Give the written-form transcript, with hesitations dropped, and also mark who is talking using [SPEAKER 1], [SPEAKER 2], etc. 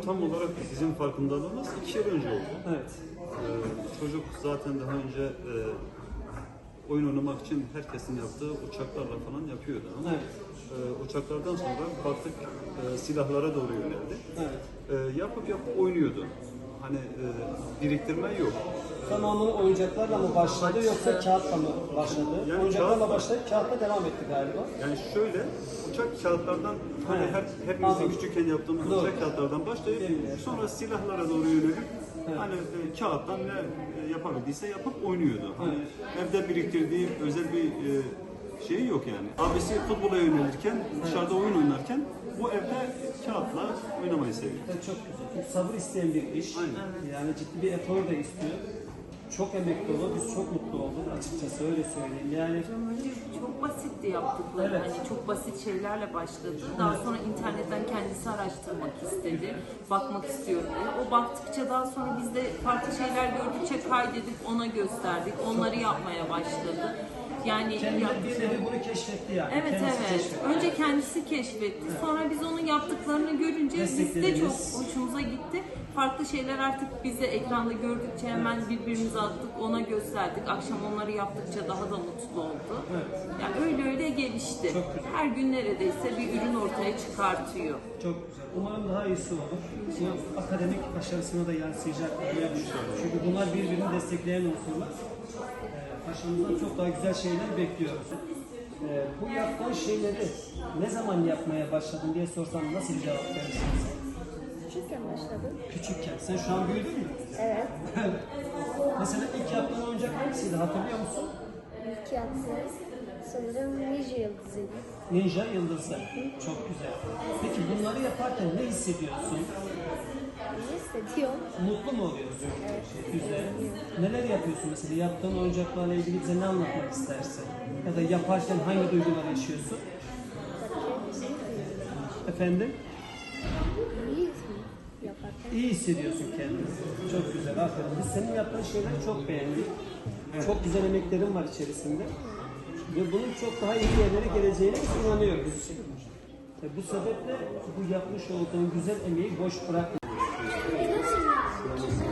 [SPEAKER 1] tam olarak sizin farkındalığınız 2 yıl önce oldu.
[SPEAKER 2] Evet.
[SPEAKER 1] Çocuk zaten daha önce oyun oynamak için herkesin yaptığı uçaklarla falan yapıyordu. Ama
[SPEAKER 2] Evet.
[SPEAKER 1] uçaklardan sonra baktık silahlara doğru yöneldi.
[SPEAKER 2] Evet.
[SPEAKER 1] Yapıp oynuyordu. Hani biriktirme yok.
[SPEAKER 2] Tamamını oyuncaklarla mı başladı yoksa kağıtla mı başladı?
[SPEAKER 1] Yani
[SPEAKER 2] Oyuncaklarla
[SPEAKER 1] kağıt-
[SPEAKER 2] başlayıp kağıtla devam etti galiba.
[SPEAKER 1] Yani şöyle, uçak kağıtlardan hani hepimizin
[SPEAKER 2] Anladım.
[SPEAKER 1] küçükken yaptığımız
[SPEAKER 2] Doğru.
[SPEAKER 1] uçak kağıtlardan başlayıp
[SPEAKER 2] Evet.
[SPEAKER 1] sonra silahlara doğru yönelip
[SPEAKER 2] Evet.
[SPEAKER 1] hani kağıttan ne yapabildiyse yapıp oynuyordu. Hani evde biriktirdiği özel bir şey yok yani. Abisi futbola yönelirken, dışarıda oyun oynarken bu evde kağıtla oynamayı seviyor.
[SPEAKER 2] Evet, çok güzel. Sabır isteyen bir iş.
[SPEAKER 1] Aynen.
[SPEAKER 2] Yani ciddi bir efor da istiyor. Çok emek dolu. Biz çok mutlu olduk açıkçası, öyle söyleyeyim. Yani
[SPEAKER 3] Önce çok basitti yaptıkları.
[SPEAKER 2] Evet.
[SPEAKER 3] Hani çok basit şeylerle başladı. Daha sonra internetten kendisi araştırmak istedi. Bakmak istiyorum diye. O baktıkça daha sonra biz de farklı şeyler gördükçe kaydedip ona gösterdik. Onları yapmaya başladı. Yani
[SPEAKER 2] kendi
[SPEAKER 3] yaptığı-
[SPEAKER 2] bir nevi bunu keşfetti yani.
[SPEAKER 3] Evet
[SPEAKER 2] Kendisi
[SPEAKER 3] evet.
[SPEAKER 2] keşfetti.
[SPEAKER 3] Önce kendisi keşfetti. Sonra biz onun yaptıklarını görünce biz de çok
[SPEAKER 2] Desteklediniz.
[SPEAKER 3] hoşumuza gitti. Farklı şeyler artık bize ekranda gördükçe hemen birbirimize attık, ona gösterdik. Akşam onları yaptıkça daha da mutlu oldu.
[SPEAKER 2] Evet.
[SPEAKER 3] Yani öyle öyle gelişti.
[SPEAKER 2] Çok güzel.
[SPEAKER 3] Her gün neredeyse bir ürün ortaya çıkartıyor.
[SPEAKER 2] Çok güzel. Umarım daha iyisi olur. Bu akademik başarısına da yansıyacak diye düşünüyorum. Çünkü bunlar birbirini destekleyen unsurlar. Paşamızdan çok daha güzel şeyler bekliyoruz. Bu yaptığın şeyleri ne zaman yapmaya başladın diye sorsam nasıl bir cevap verirsiniz?
[SPEAKER 4] Küçükken başladım.
[SPEAKER 2] Küçükken. Sen şu an büyüdün mü?
[SPEAKER 4] Evet.
[SPEAKER 2] Mesela ilk yaptığın oyuncak hangisiydi, hatırlıyor musun?
[SPEAKER 4] İlk yaptığım sanırım Ninja Yıldızı'ydı.
[SPEAKER 2] Ninja Yıldızı. Çok güzel. Peki bunları yaparken ne hissediyorsun?
[SPEAKER 4] İyi hissediyorum.
[SPEAKER 2] Mutlu mu oluyorsun? Güzel. Neler yapıyorsun mesela? Yaptığın oyuncaklarla ilgili bize ne anlatmak istersin? Ya da yaparken hangi duygular yaşıyorsun? Efendim?
[SPEAKER 4] İyi yaparken.
[SPEAKER 2] İyi hissediyorsun kendini. Çok güzel, aferin. Biz senin yaptığın şeyleri çok beğendik. Çok güzel emeklerin var içerisinde. Ve bunun çok daha iyi yerlere geleceğine biz inanıyoruz. Bu sebeple bu yapmış olduğun güzel emeği boş bırakma.
[SPEAKER 4] Nasıl